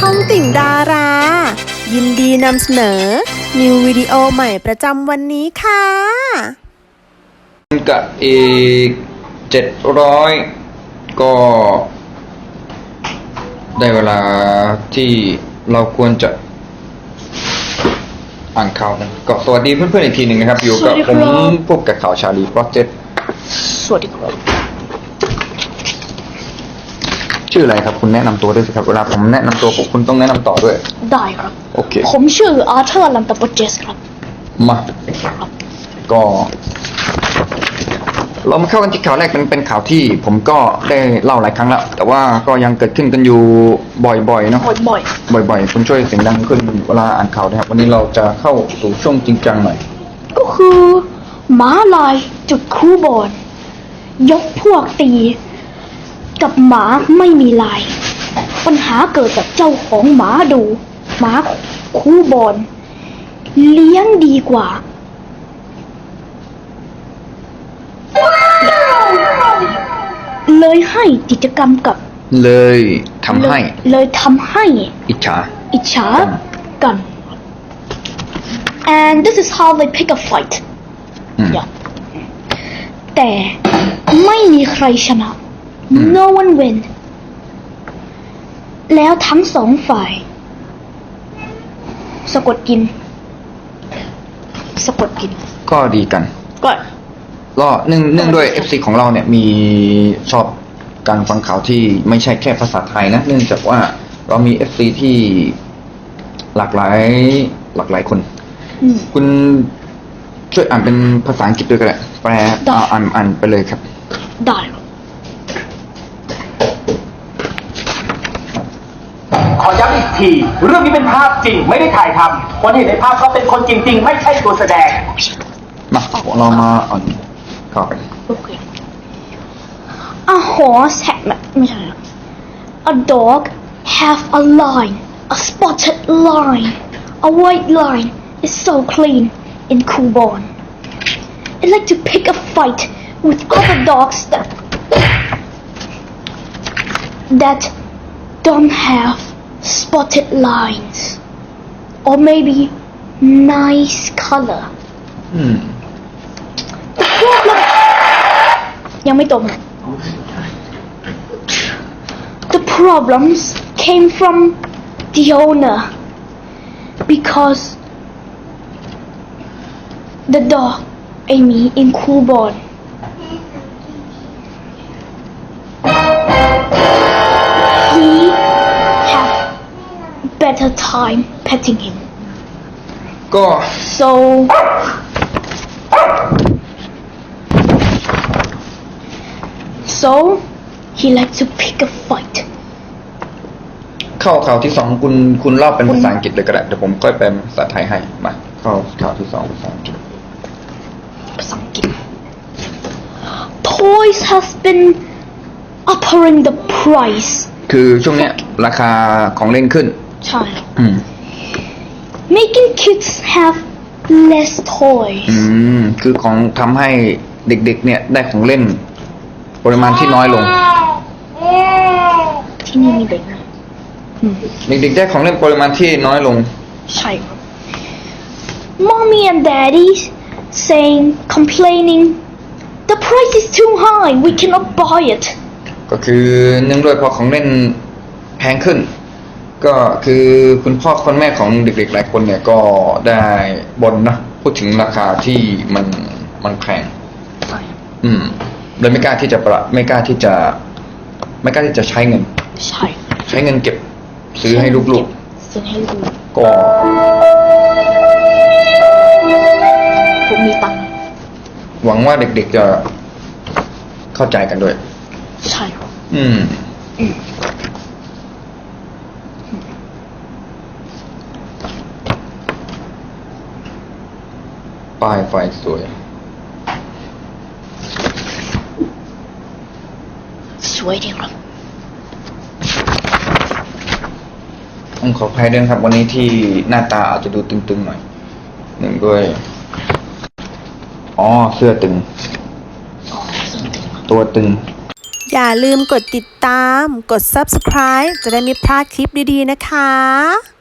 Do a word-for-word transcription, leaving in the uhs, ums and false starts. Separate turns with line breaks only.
องติ่งดารา ยินดีนำเสนอนิววิดีโอใหม่ประจำวันนี้ค่ะ
กับอีกเจ็ดร้อยก็ได้เวลาที่เราควรจะอ่านข่าวกันก็สวัสดีเพื่อนๆอีกทีหนึ่งนะครับอยู่กับผมพบกับข่าวชาลีโปรเจกต์
สวัสดีครับ
ชื่ออะไรครับคุณแนะนำตัวด้วยสิครับเวลาผมแนะนำตัวคุณต้องแนะนำต่อด้วย
ได้ครับ
โอเค
ผมชื่ออาร์เธอร์ลัมตาโปเจสครับ
มาก็เรามาเข้ากันที่ข่าวแรกเป็นเป็นข่าวที่ผมก็ได้เล่าหลายครั้งแล้วแต่ว่าก็ยังเกิดขึ้นกันอยู่บ่อยๆเนาะ
บ่อย
ๆบ่อยๆคุณช่วยเสียงดังขึ้นเวลาอ่านข่าวนะครับวันนี้เราจะเข้าสู่ช่วงจริงจังหน่อย
ก็คือม้าลายจุดคู่บอลยกพวกตีกับหมาไม่มีลายปัญหาเกิดจากเจ้าของหมาดูหมาคู่บอลเลี้ยงดีกว่าเลยให้กิจกรรมกับ
เลยทำให้
เลยทำให้
อิจฉา
อิจฉากัน and this is how they pick a fight แต่ไม่มีใครชนะ no one win แล้วทั้งสองฝ่ายสะกดกินสะกดกิน
ก็ดีกัน
ก็
ก็เนื่องเนื่องด้วย เอฟ ซี ของเราเนี่ยมีชอบการฟังข่าวที่ไม่ใช่แค่ภาษาไทยนะเนื่องจากว่าเรามี เอฟ ซี ที่หลากหลายหลากหลายคนคุณช่วยอ่านเป็นภาษาอังกฤษด้วยก็ได้แปลอ่านอ่านไปเลยครับ
ได้
ขอย้ำอีกทีเรื่องนี้เป็นภาพจริงไม่ได้ถ่ายทำคนเห็นในภาพเขาเป็นคนจริงๆไม่ใช่ตัวแสดง
มาเรามาอ่านข่าวกัน
A horse ha ไม่ใช่ A dog have a line a spotted line a white line is so clean in Kubon it like to pick a fight with other dogs that that don't have spotted lines or maybe nice color
อืม
ยังไม่ตรง The problems came from the owner because the dog Amy in Kubon he have better time petting him
ก็
so so he like to pick a fight
เข้าข่าวที่สองคุณคุณเล่าเป็นภาษาอังกฤษเลยก็ได้เดี๋ยวผมค่อยแปลภาษาไทยให้มาเข้าข่าวที่สองภาษาอังกฤษ
ภาษาอังกฤษ Toys has been upping the price
คือช่วงเนี้ยราคาของเล่นขึ้น
ใช่
อืม
making kids have less toys
อืมคือของทำให้เด็กๆเนี่ยได้ของเล่นปริมาณที่น้อยลง
ที่นี่มีเด็กนะ
เด็กๆได้ของเล่นปริมาณที่น้อยลง
ใช่ครับ Mommy and Daddy saying complaining the price is too high we cannot buy it
ก็คือเนื่องด้วยพอของเล่นแพงขึ้นก็คือคุณพ่อคุณแม่ของเด็กๆหลายคนเนี่ยก็ได้บ่นนะพูดถึงราคาที่มันมันแพงอืมเลยไม่กล้าที่จะประไม่กล้าที่จะไม่กล้าที่จะใช้เงิน
ใช่
ใช้เงินเก็บซื้อให้ลูกๆ
ซื้อให้ลูก
ก็
ผมมีตังค์
หวังว่าเด็กๆจะเข้าใจกันด้วย
ใช่ครับ
อืมอืมป้ายไฟสวย
สวยดีครับ
ผมขออภัยด้วยครับวันนี้ที่หน้าตาอาจจะดูตึงๆหน่อยหนึ่งด้วยอ๋อเสื้อตึงตัวตึง
อย่าลืมกดติดตาม กด ซับสไครบ์ จะได้ไม่พลาดคลิปดีๆนะคะ